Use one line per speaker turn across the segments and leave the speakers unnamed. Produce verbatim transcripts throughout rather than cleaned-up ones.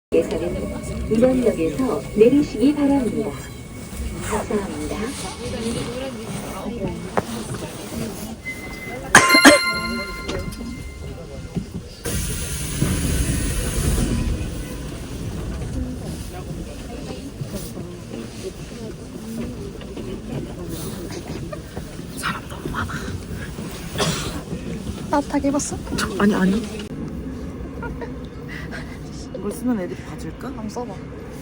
예산은 운원역에서 내리시기 바랍니다. 감사합니다.
사람 너무 많아.
따뜻하게 입었어?
아니 아니. 이걸 쓰면 애들이 봐줄까?
한번 써봐.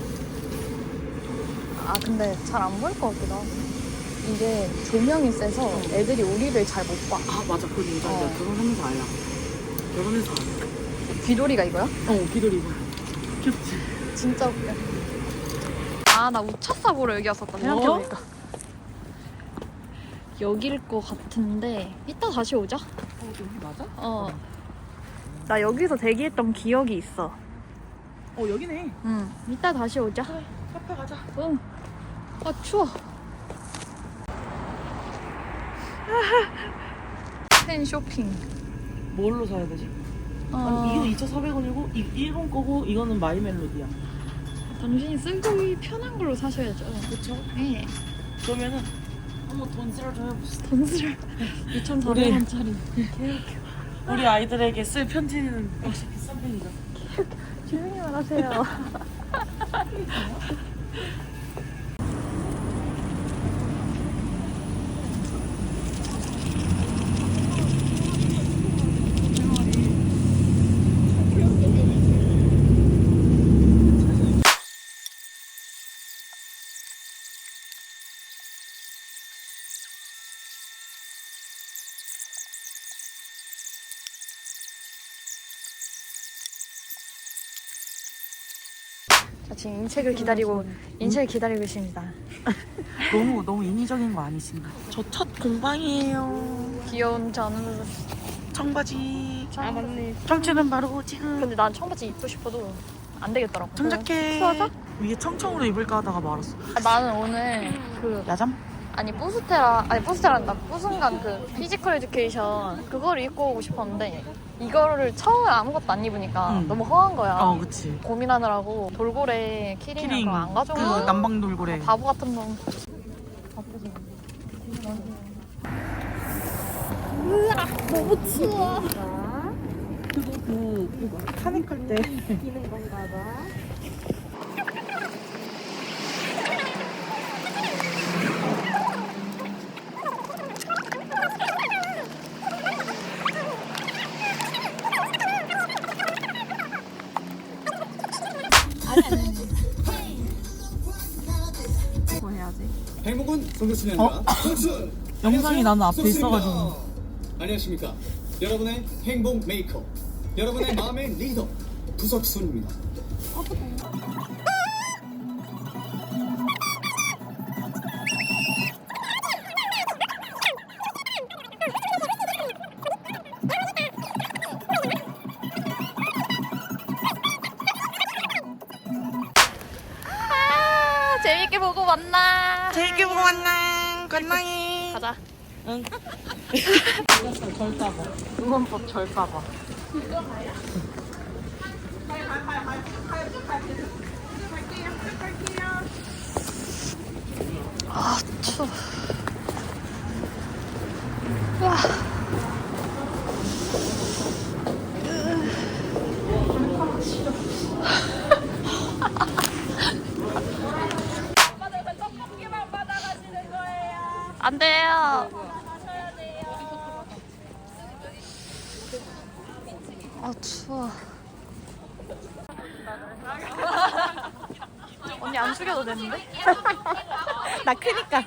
아 근데 잘 안 보일 것 같기도 하고. 이게 조명이 세서 애들이 우리를 잘 못 봐.
아 맞아, 그거 진짜
어.
결혼하면서 알아. 결혼해서 알아.
귀돌이가 이거야?
어, 귀돌이 이거. 귀엽지?
진짜 웃겨. 아 나 우차사 보러 여기 왔었다 생각해보니까. 여길 것 같은데 이따 다시 오자.
어, 여기 맞아?
어. 나 여기서 대기했던 기억이 있어.
어, 여기네.
응. 이따 다시 오자.
그래, 카페 가자.
응. 아 추워. 팬 쇼핑.
뭘로 사야 되지?
어,
아니, 이거 이천사백 원이고 이 일본 거고 이거는 마이 멜로디야.
당신이 쓰기 편한 걸로 사셔야죠.
그쵸?
네.
그러면은 한번 돈 쓰러 좀 해봅시다.
돈을 이천사백 원짜리.
우리 아이들에게 쓸 편지는 역시 비싼 편이죠.
조용히 말하세요. 자, 지금 인책을 기다리고 인책을 기다리고 있습니다.
너무 너무 인위적인 거 아니신가? 저 첫 공방이에요.
귀여운 전우.
청바지.
아 맞네.
청춘은 바로 지금.
근데 난 청바지 입고 싶어도 안 되겠더라고.
청자켓.
추워서?
위에 청청으로 입을까 하다가 말았어.
아, 나는 오늘 그
야잠?
아니 뿌스테라 아니 뿌스테라란다 뿌순간 그 피지컬 에듀케이션 그거를 입고 오고 싶었는데 이거를 처음에 아무것도 안 입으니까
응.
너무 허한 거야.
어, 그치.
고민하느라고 돌고래 키링
키링.
그거 안 가져온
그
거야.
남방 돌고래.
바보 같은 놈. 으아 너무 추워.
그거 그 그거 카닉할 때.
끼는 건가 봐. 뭐 해야지?
행복은 송수순이 아니라
어?
송순!
영상이 나는 앞에
송순입니다.
있어가지고.
안녕하십니까. 여러분의 행복 메이커, 여러분의 마음의 리더 구석순입니다.
아 재밌게 보고 만나.
재밌게 보고 만나. 건강해.
가자.
응. 절까봐. 응원법 절까봐.
아 추워. 와. 안 돼요. 아 추워. 언니 안 숙여도 되는데?
나 크니까.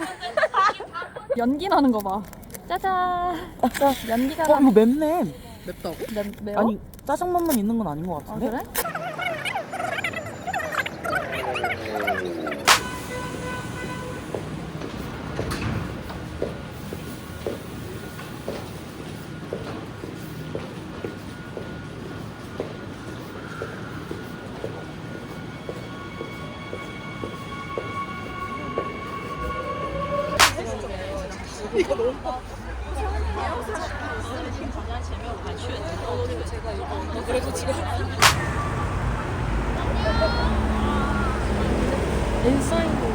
연기 나는 거 봐. 짜잔. 연기가
어, 이거 맵네.
맵다고? 맵, 매워?
아니, 짜장면만 있는 건 아닌 것
아
같은데?
그래?
이거 너무
그래도 지금 엔사인도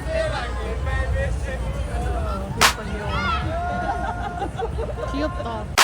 귀엽다.